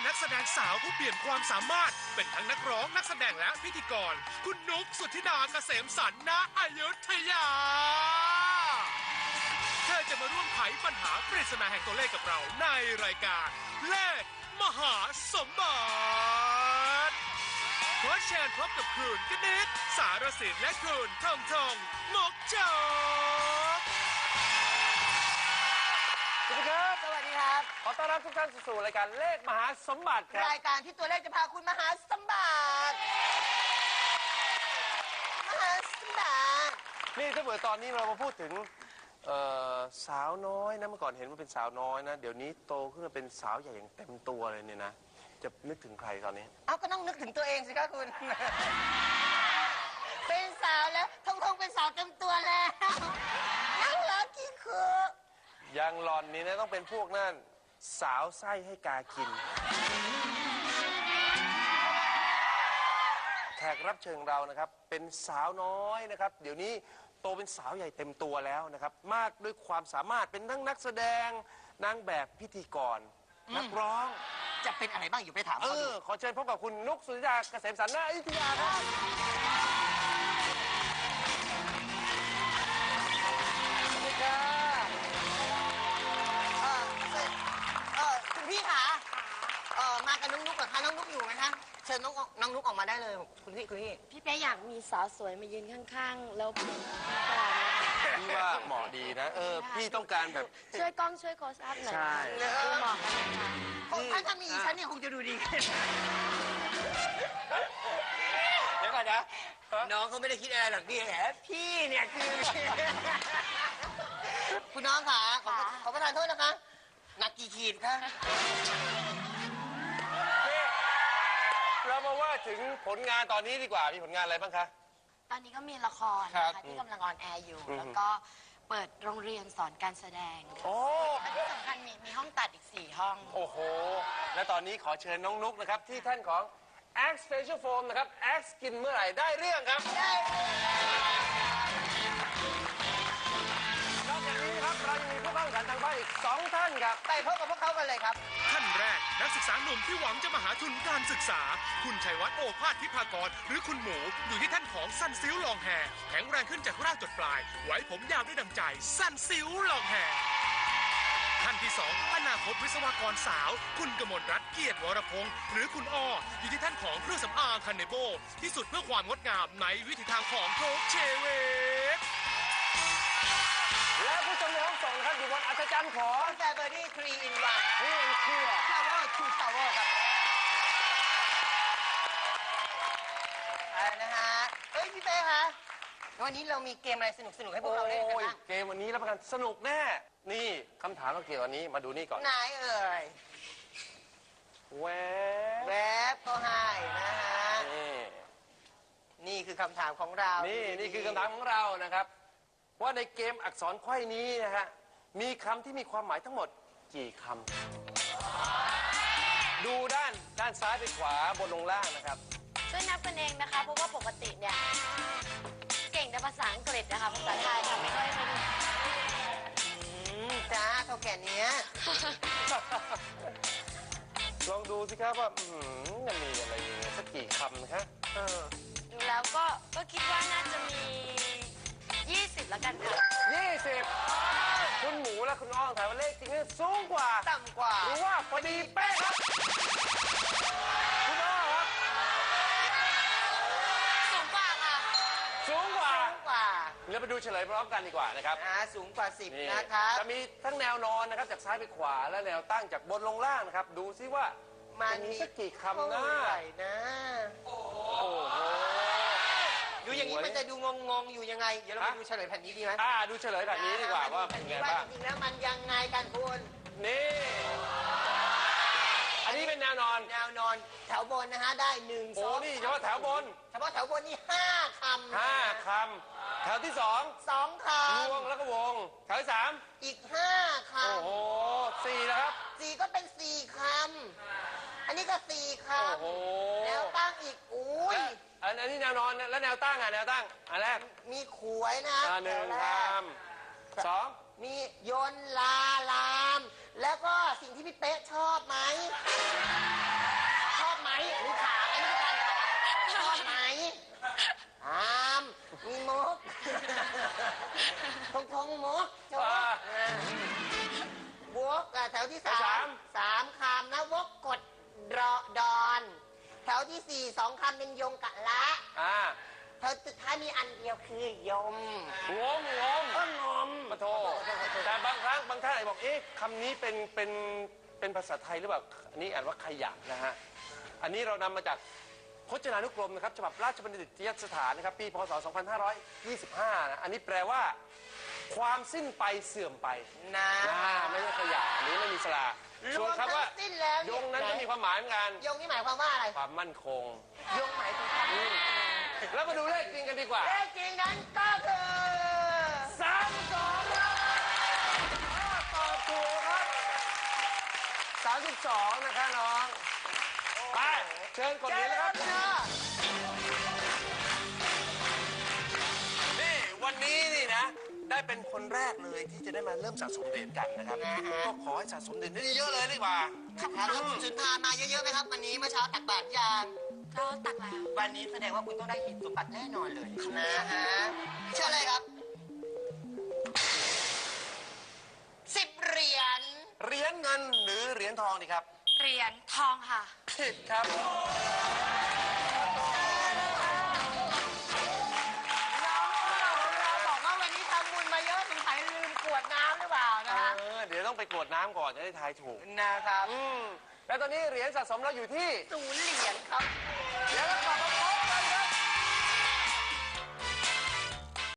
นักแสดงสาวผู้เปลี่ยนความสามารถเป็นทั้งนักร้องนักแสดงและพิธีกรคุณนุกสุทธิดาเกษมสันต์ณอยุธยาเธอจะมาร่วมไขปัญหาปริศนาแห่งตัวเลขกับเราในรายการเลขมหาสมบัติขอเชิญพบกับคุณกนิษฐ์สารสินและคุณทองทองมกจกสวัสดีครับสวัสดีครับขอต้อนรับทุกท่านสู่รายการเลขมหาสมบัติครับรายการที่ตัวเลขจะพาคุณมหาสมบัติมหาสมบัตินี่ถ้าเกิดตอนนี้เรามาพูดถึงสาวน้อยนะเมื่อก่อนเห็นว่าเป็นสาวน้อยนะเดี๋ยวนี้โตขึ้นมาเป็นสาวใหญ่อย่างเต็มตัวเลยเนี่ยนะจะนึกถึงใครตอนนี้เอาก็ต้องนึกถึงตัวเองสิคะคุณเป็นสาวแล้วทงเป็นสาวเต็มตัวแล้วนั่งรักกี่คือยังหลอนนี่นะต้องเป็นพวกนั่นสาวไส้ให้กากินแขกรับเชิญเรานะครับเป็นสาวน้อยนะครับเดี๋ยวนี้โตเป็นสาวใหญ่เต็มตัวแล้วนะครับมากด้วยความสามารถเป็นทั้งนักแสดงนางแบบพิธีกรนักร้องจะเป็นอะไรบ้างอยู่ไปถามเขาดูขอเชิญพบกับคุณนุกสุทธิดาเกษมสันต์ณอยุธยาครับสวัสดีครับคุณพี่คะมากับน้องนุกเหรอคะน้องนุกอยู่ไหมคะเชิญน้องนุกออกมาได้เลยคุณพี่พี่เป๊อยากมีสาวสวยมายืนข้างๆแล้วก่อนพี่ว่าเหมาะดีนะพี่ต้องการแบบช่วยกล้องช่วยโคสอัพหน่อยใช่ดูเหมาะกันถ้ามีฉันเนี่ยคงจะดูดีขึ้นเดี๋ยวก่อนนะน้องเขาไม่ได้คิดอะไรหรอกพี่แหละพี่เนี่ยคือคุณน้องค่ะขอประทานโทษนะคะหนักกี่ขีดคะเรามาว่าถึงผลงานตอนนี้ดีกว่ามีผลงานอะไรบ้างคะตอนนี้ก็มีละครนะคะที่กำลังออนแอร์อยู่แล้วก็เปิดโรงเรียนสอนการแสดงและที่สำคัญมีห้องตัดอีก4ห้องโอ้โหและตอนนี้ขอเชิญน้องนุกนะครับที่ท่านของ Axe Facial Foam นะครับ Axe กินเมื่อไหร่ได้เรื่องครับนอกจากนี้ครับเรายังมีผู้เข้าแข่งขันทางบ้านอีก2ท่านครับไปพบกับพวกเขากันเลยครับท่านแรกนักศึกษาหนุ่มที่หวังจะมาหาทุนการศึกษาคุณชัยวัฒน์โอภาสทิพากรหรือคุณหมูอยู่ที่ท่านของสั้นซิ้วลองแฮแข็งแรงขึ้นจากรากจดปลายไว้ผมยาวได้ดังใจสั้นซิ้วลองแฮท่านที่2อนาคตวิศวกรสาวคุณกมลรัตน์เกียรติวรพงศ์หรือคุณอ้ออยู่ที่ท่านของเครื่องสำอางคันเนโบที่สุดเพื่อความงดงามในวิถีทางของโคกเชเวตและผู้ชมในห้องส่งนะครับอยู่บนอัศจรรย์ของแฟเบอร์รี่3 in 1 นี่เป็นเครื่องทาวเวอร์2 Tower ครับนะฮะพี่เป้คะวันนี้เรามีเกมอะไรสนุกให้พวกเราเล่นกันบ้างเกมวันนี้รับประกันสนุกแน่นี่คำถามเราเกี่ยวกับนี้มาดูนี่ก่อนไหนเอ่ยแวบก็ให้นะฮะนี่คือคำถามของเรานี่คือคำถามของเรานะครับว่าในเกมอักษรไขว้นี้นะฮะมีคำที่มีความหมายทั้งหมดกี่คำดูด้านซ้ายไปขวาบนลงล่างนะครับช่วยนับกันเองนะคะเพราะว่าปกติเนี่ยเก่งแต่ภาษาอังกฤษนะคะภาษาไทยทำไม่ค่อยเป็นจ้าเท่าแก่นี้ลองดูสิครับว่าจะมีอะไรสักกี่คำนะครับดูแล้วก็คิดว่าน่าจะมี20แล้วกันค่ะ 20คุณหมูและคุณอ้องถามว่าเลขจริงๆสูงกว่าต่ำกว่าหรือว่าพอดีเป๊ะครับคุณอ้องครับสูงกว่าค่ะสูงกว่าเราไปดูเฉลยพร้อมกันดีกว่านะครับสูงกว่า10นะครับจะมีทั้งแนวนอนนะครับจากซ้ายไปขวาและแนวตั้งจากบนลงล่างนะครับดูซิว่ามันมีสักกี่คำนะโอ้โหดูอย่างนี้มันจะดูงงอยู่ยังไงเดี๋ยวเราไปดูเฉลยแผ่นนี้ดีไหมดูเฉลยแผ่นนี้ดีกว่าว่าเป็นไงบ้างจริงๆแล้วมันยังไงกันคุณนี่อันนี้เป็นแนวนอนแถวบนนะฮะได้1 2 นี่เฉพาะแถวบนนี่5 คำ 5 คำแถวที่ 2 คำวงแล้วก็วงแถวที่3 อีก5 คำโอ้โห4แล้วครับ 4ก็เป็น4 คำอันนี้ก็4 คำแล้วตั้งอีกอันนี้แนวนอนแล้วแนวตั้งแนวตั้งอันแรกมีขวยนะ 1 คำ2 มียนลาลามแล้วก็สิ่งที่พี่เป๊ะชอบไหมชอบไหมอามมีมุกทงมุกโจ๊กบวกแถวที่สามคำนะวกกดดอนแถวที่สี่2 คำเป็นยงกะละแถวสุดท้ายมีอันเดียวคือยมงมปะโทแต่บางครั้งบางท่านอาจบอกคำนี้เป็นภาษาไทยหรือเปล่าอันนี้อ่านว่าขยะนะฮะอันนี้เรานำมาจากพจนานุกรมนะครับฉบับราชบัณฑิตยสถานนะครับปีพศ 2525นะอันนี้แปลว่าความสิ้นไปเสื่อมไปนะไม่ใช่ขยะอันนี้ไม่มีสระส่วนคำว่ายงนั้นก็มีความหมายเหมือนกันยงนี่หมายความว่าอะไรความมั่นคงยงหมายถึงแล้วมาดูเลขจริงกันดีกว่าเลขจริงนั้นก็คือ 32ครับตอบถูกครับ32นะคะน้องไปเชิญกดเหรียญนะครับนี่วันนี้นี่นะได้เป็นคนแรกเลยที่จะได้มาเริ่มสะสมเหรียญกันนะครับก็ขอให้สะสมเหรียญได้เยอะเลยดีกว่าครับคุณสุนทรมาเยอะๆไหมครับวันนี้เมื่อเช้าตักบาตรยางก็ตักแล้ววันนี้แสดงว่าคุณต้องได้หินสมบัติแน่นอนเลยนะฮะเชื่อเลยครับ10 เหรียญเงินหรือเหรียญทองดีครับเหรียญทองค่ะผิดครับบอกว่าวันนี้ทำบุญมาเยอะสงสัยลืมกรวดน้ำหรือเปล่านะคะเดี๋ยวต้องไปกรวดน้ำก่อนจะได้ทายถูกนะครับแล้วตอนนี้เหรียญสะสมเราอยู่ที่ 0 เหรียญครับเดี๋ยวเรากลับมาพบ